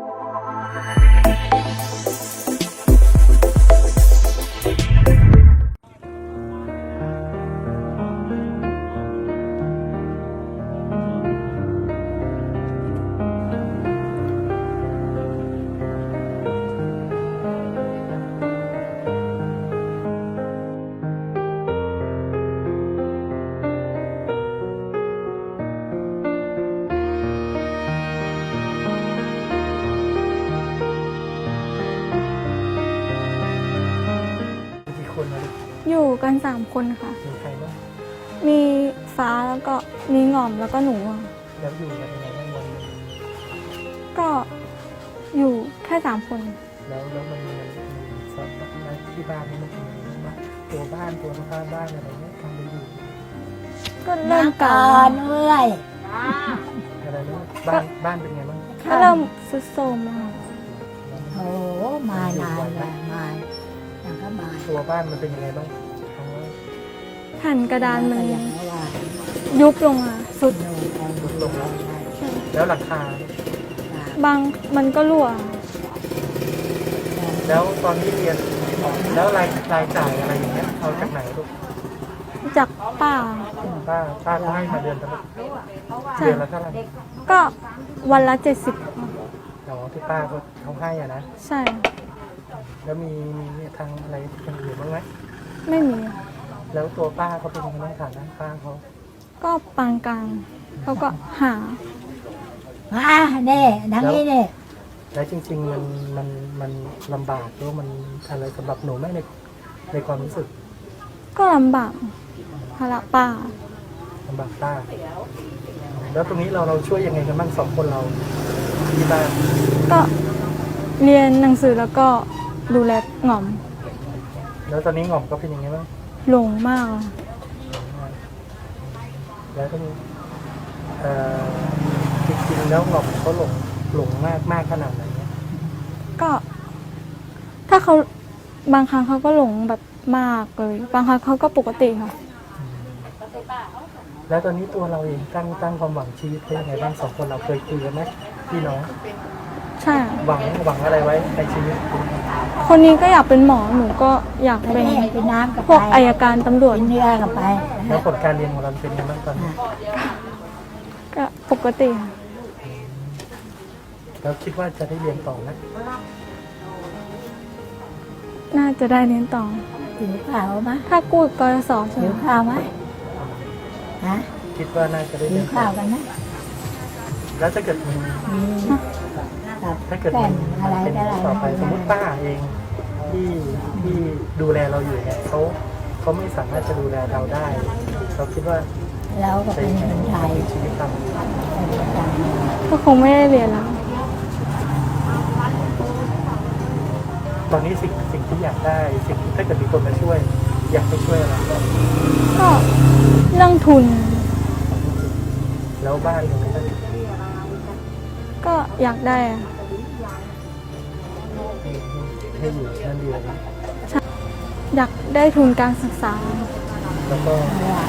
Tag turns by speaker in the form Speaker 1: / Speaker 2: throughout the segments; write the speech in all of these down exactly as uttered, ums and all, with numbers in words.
Speaker 1: อยู่กันสามคนค่ะ
Speaker 2: มีใครบ้าง
Speaker 1: มีฟ้าแล้วก็มีหง่อมแล้วก็หนูอะ
Speaker 2: แล้วอยู่กันยังไงบ้างวันนึง
Speaker 1: ก็อยู่แค่สามคน
Speaker 2: แล้วแล้วมันมันสอนที่บ้านนี่มันเป็นยังไงบ้างตัวบ้านตัวข้างบ้านอะไรเงี้ยทำไปอยู่
Speaker 1: ก็เริ่มก่
Speaker 3: อนเมื่อย
Speaker 2: อะไรนะบ้านบ้านเป็นไงบ้าง
Speaker 1: ก็เริ่มซุดโทรมมา
Speaker 3: โอ้มานานแล้วมาอย่างก็มา
Speaker 2: ตัวบ้านมันเป็นยังไงบ้าง
Speaker 1: แผ่นกระดานมันยุบลงอ่ะสุด
Speaker 2: สุดลงแล้วแล้วหลังคา
Speaker 1: บางมันก็รั่ว
Speaker 2: แล้วตอนที่เรียนแล้วรายรายจ่ายอะไรอย่างเงี้ยเอาจากไหนลูก
Speaker 1: จากป้า
Speaker 2: ป้าป้าเขาให้มาเดือนละเดือนละเท่าไหร่
Speaker 1: ก็วันละเจ็ดสิบ
Speaker 2: อ๋อที่ป้าเขาเขาให้อ่ะนะ
Speaker 1: ใช่
Speaker 2: แล้วมีมีทางอะไรอย่างอื่นบ้างไหม
Speaker 1: ไม่มี
Speaker 2: แล้วตัวป้าเขาเป็นยังไงฐานะป้าเขา
Speaker 1: ก็ปานกลางเขาก็หา
Speaker 3: อ่าเน่ดังนี้เน่
Speaker 2: แล้วจริงๆมันมันมันลำบากหรือมันอะไรสำหรับหนูไหมในในความรู้สึก
Speaker 1: ก็ลำบากภาระป้า
Speaker 2: ลำบากป้าแล้วตรงนี้เราเราช่วยยังไงกันบ้างสองคนเราที่บ้าน
Speaker 1: ก็เรียนหนังสือแล้วก็ดูแลหง่อม
Speaker 2: แล้วตอนนี้หง่อมก็เป็นยังไงบ้าง
Speaker 1: หลงมาก
Speaker 2: แล้วก็เอ่อจริงๆแล้วหง่อมเขาหลงหลงมากมากขนาดไหนเนี่ย
Speaker 1: ก็ถ้าเขาบางครั้งเขาก็หลงแบบมากเลยบางครั้งเขาก็ปกติค่ะ
Speaker 2: แล้วตอนนี้ตัวเราเองตั้งตั้งความหวังชีวิตเป็นยังไงบ้างสองคนเราเคยคุยกันไหมพี่น้อง
Speaker 1: ใช่
Speaker 2: หวังหวังอะไรไว้ในชีวิต
Speaker 1: คนนี้ก็อยากเป็นหมอหนูก็อยากเป็นพวกอัยการตำรวจ
Speaker 3: เนื้อกับไป
Speaker 2: แล้วผลการเรียนของเราเป็นยังไงบ้างตอนนี้
Speaker 1: ก็ปกติค่ะ
Speaker 2: แล้วคิดว่าจะได้เรียนต่อไหม
Speaker 1: น่าจะได้เรียนต่อ
Speaker 3: ถือข่าวไหม
Speaker 1: ถ้ากู้กยศ
Speaker 3: ถือข่าวไหมฮะ
Speaker 2: คิดว่าน่าจะได้
Speaker 3: เรียนข่าวกันนะ
Speaker 2: แล้วถ้าเกิดมีถ้าเกิดเป็นต่อไปสมมติป้าเองที่ที่ดูแลเราอยู่เนี่ยเขาเขาไม่สามารถจะดูแลเราได้เราคิดว่า
Speaker 3: เราก็เป็นคนไทย
Speaker 2: ชีวิตท
Speaker 1: ำก็คงไม่ได้เรียนแล้ว
Speaker 2: ตอนนี้สิ่งสิ่งที่อยากได้สิ่งถ้าเกิดมีคนมาช่วยอยากไปช่วยอะไร
Speaker 1: ก็เรื่องทุน
Speaker 2: แล้วบ้านตรงนี้
Speaker 1: ก็อยากได้อะ
Speaker 2: ให้อยู่นั่นเดียว
Speaker 1: อยากได้ทุนการศึกษา
Speaker 2: แล้วก็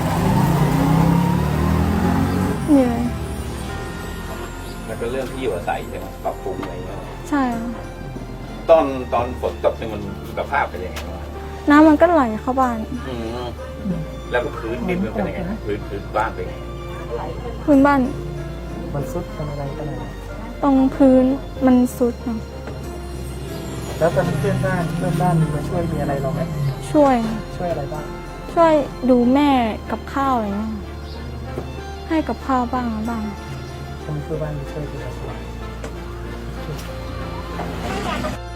Speaker 1: เหนื่อย
Speaker 4: มันเป็นเรื่องที่อยู่อาศัยใช่ไหมปรับปรุงอะไรเงี้ย
Speaker 1: ใช่
Speaker 4: ตอนตอนฝนตกเนี่ยมันสภาพเป็นยังไงบ้าง
Speaker 1: น้ำมันก็ไหลเข้าบ้าน
Speaker 4: แล้วก็พื้นดินมันเป็นยังไงพื้นพื้นบ้านเป็นยังไง
Speaker 1: พื้นบ้าน
Speaker 2: มันซุดเป็นอะไรกันไหน
Speaker 1: ตรงพื้นมันซุด
Speaker 2: แล้วตอนเพื่อนบ้านเพื่อนบ้านมีมาช่วยมีอะไรเราไหม
Speaker 1: ช่วย
Speaker 2: ช่วยอะไรบ้าง
Speaker 1: ช่วยดูแม่กับข้าวอะไรเงี้ยให้กับข้าวบ้างบ้าง
Speaker 2: ถ้ามีเพื่อนบ้านมาช่วยดูอะไร